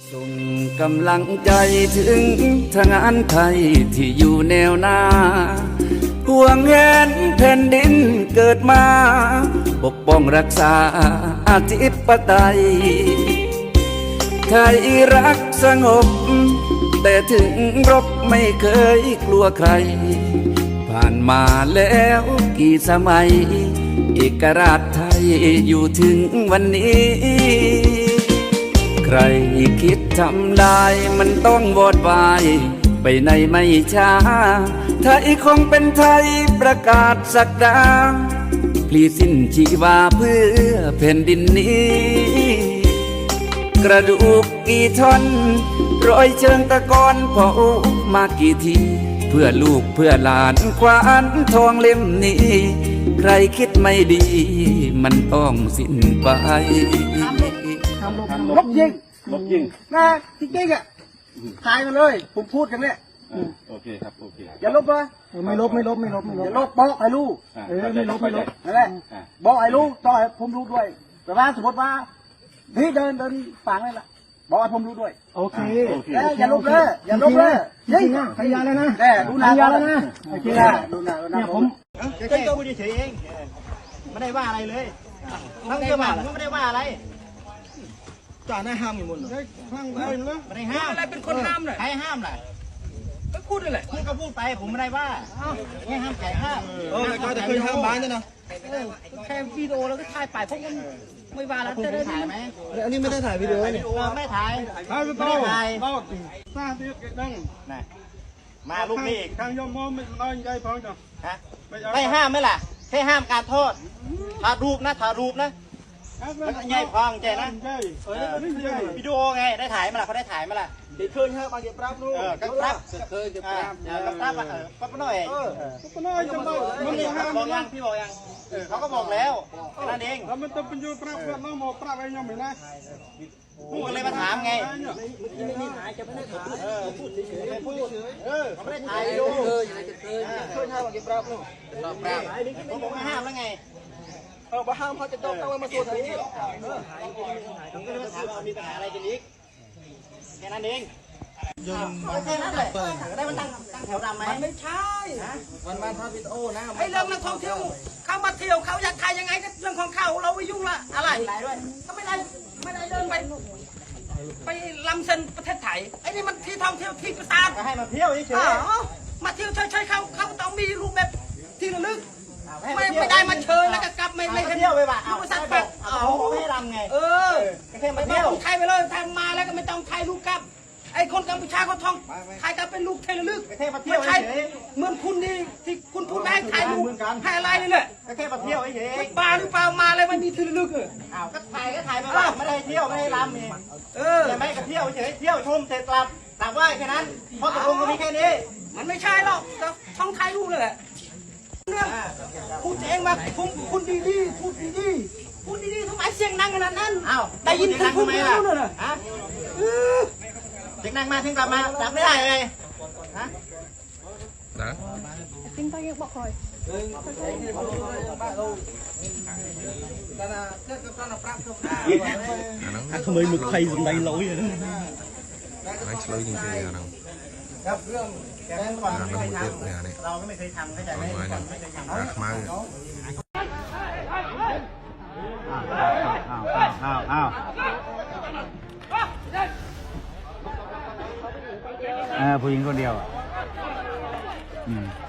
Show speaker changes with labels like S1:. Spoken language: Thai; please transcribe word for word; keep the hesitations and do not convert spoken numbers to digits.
S1: ส่งกำลังใจถึงทางานไทยที่อยู่แนวหน้าห่วงแหนแผ่นดินเกิดมาปกป้องรักษาอธิปไตยไทยรักสงบแต่ถึงรบไม่เคยกลัวใครผ่านมาแล้วกี่สมัยเอกราชไทยอยู่ถึงวันนี้ใครคิดทำได้มันต้องวอดวายไปในไม่ช้าไทยคงเป็นไทยประกาศศักดาพลีสิ้นชีวาเพื่อแผ่นดินนี้กระดูกกี่ท่อนรอยเชิงตะกอนเผามากี่ทีเพื่อลูกเพื่อหลานควานทองเล่มนี้ใครคิดไม่ดีมันต้องสิ้นไป
S2: ลบยิง
S3: ลบยิง
S2: นะจริงๆอ่ะถ่ายมาเลยผมพูดกันเนี่ย
S3: โอเคครับโอเค
S2: อย่าลบนะไม่ลบไม่ลบไม่ลบไม่ลบอย่าลบบอกไอ้ลูกเออไม่ลบไม่ลบนั่นแหละบอกไอ้ลูกต่อให้ผมรู้ด้วยแต่ว่าสมมติว่าพี่เดินเดินฝังเลยล่ะบอกให้ผมรู้ด้วย
S4: โอเค
S2: อย่าลบเลยอย่าลบเลย
S4: ยิงนะพยาแล้วนะ
S2: แน่ดูหน้า
S4: แล้วนะโอเค
S2: ดูหน้าดูหน้า
S4: ผม
S2: แค่ตัวกูเฉยเองไม่ได้ว่าอะไรเลยทั้งเจ้าบ้านก็ไม่ได้ว่าอะไรจ่าหน้าห้ามอยู่หมดเลยฟังไปเลยไม่ได้ห้ามอะไรเป็นคนห้ามเลยใครห้ามล่ะก็พูดนั่นแหละพูดก็พูดไปผมไม่ได้ว่าไม่ห้ามใครห้าม
S4: เออก็จะเคยห้ามบ้านใช่ไหม
S2: แค่วิดีโอแล้วก็ถ่ายไปพวกมันไม่ว่าแล้วจะได้ถ่ายไหม
S4: อันนี้ไม่ได้ถ่ายวิดีโอนี่
S2: ไม่ถ่ายไม่ได้ถ่าย
S4: สร้างที่ดัง
S2: นะมาลูกนี่อีก
S4: ทางยมมอมไม่น้อยใจพอจ้ะ
S2: ฮะไม่ห้ามไหมล่ะแค่ห้ามการโทษถ่ายรูปนะถ่ายรูปนะแล้วก็ใหญ่ฟังใจนะวิดีโอไงได้ถ่ายมาล่ะเขาได้ถ่ายมาล่ะ
S4: เด็กเคยฮะบางเก็บรับนู่น
S2: เออก็รับเคยเก็บรับก็รับอ่ะเออปั๊บหน่อย
S4: เออปั๊บหน่อยจังเลย
S2: มันบอกยังพี่บอกยังเขาก็บอกแล้วนั่นเอง
S4: แล้วมันต้องเป็นยูปรับเพื่อนน้องหมอปรับอะไรยังไม่ได้
S2: ผมก็เลยมาถามไงไม่ได้ถ่ายจะไม่ได้ถ่ายเออพูดเฉยๆพูดเฉยๆเออเขาไม่ได้ถ่ายดูเคยเคยเคยห้ามบางเก็บรับนู่นรับผมบอกห้ามแล้วไง
S4: เออมาห้ามเขาจะต้องเอามาตัวไทย
S2: เออผมก็เลยมาถามว่ามีปัญหาอะไรกันอีกแค่นั้นเองแค่นั้นแหละได้มันตั้งตั้งแถวดำไหม
S5: มันไม่ใช่
S2: วันวันพระพิโอนะ
S5: ไอ้เรื่องนักท่องเที่ยวเขามาเที่ยวเขาอยากถ่ายยังไงก็เรื่องของเขาเราไม่ยุ่งละอะไรก็ไม่ได้ไม่ได้เดินไปไปลำเส้นประเทศไทยไอ้นี่มันที่ท่องเที่ยวที่ประสาท
S2: ก็ให้มาเที่ยวเฉย
S5: ๆมาเที่ยวเฉยๆเขาเขาต้องมีรูปแบบที่ระลึกไม่ไม่ได้มาเชยแล้วก็กลับไม่ไม่
S2: เที่ยวไปบ้า
S5: เอา
S2: ไป
S5: สัก
S2: แบบเอาไม่ให้รำไง
S5: เออ
S2: แค่มาเที่ยว
S5: ไทยไปเลยทางมาแล้วก็ไม่ต้องถ่ายรูปกับไอ้คนกัมพูชาเขาท่องถ่ายกับเป็นรูปเทเลลึก
S2: แค่มาเที่ยว
S5: เฉยเหมือนคุณนี่ที่คุณพูดได้ถ่ายรูปถ่ายอะไรนี่แหละ
S2: แค่มาเที่ยวเฉย
S5: บ้าหรือเปล่ามาเลยมันมีเทเลลึกเออ
S2: อ้าวก็ถ่ายก็ถ่ายมาบ้างไม่ได้เที่ยวไม่ได้รำนี่เออแต่ไม่ก็เที่ยวเฉยเที่ยวชมเสร็จกลับกลับว่าแค่นั้นเพราะตกลงก็มีแค่นี้
S5: มันไม่ใช่หรอกท่องถ่ายรูปเลยแหละพูดเองมาคุณคุณดีดีพูดดีดีพูดดีดีทำไมเสียงดังขนาดนั้น
S2: อ้าว
S5: ได้ยินคุณพูดไม่รู้เลย
S2: ฮะเสียงดังมาถึงกลับมาดับไม่ได้เลยฮะ
S6: นะ
S5: ซิงไปยังบอกคอย
S4: ทำไมมึงใครสนใจเราอย่างนั้น
S6: ไม่ช่วยจริงๆอย่างนั้น
S2: ครับเรื่องแกงก่อนไม่เคยทำเราก็ไม่เคยทำเข้าใจไหมไม่เคยทำรักมากอ้าวอ้าวอ้าวเออผู้หญิงคนเดียวอืม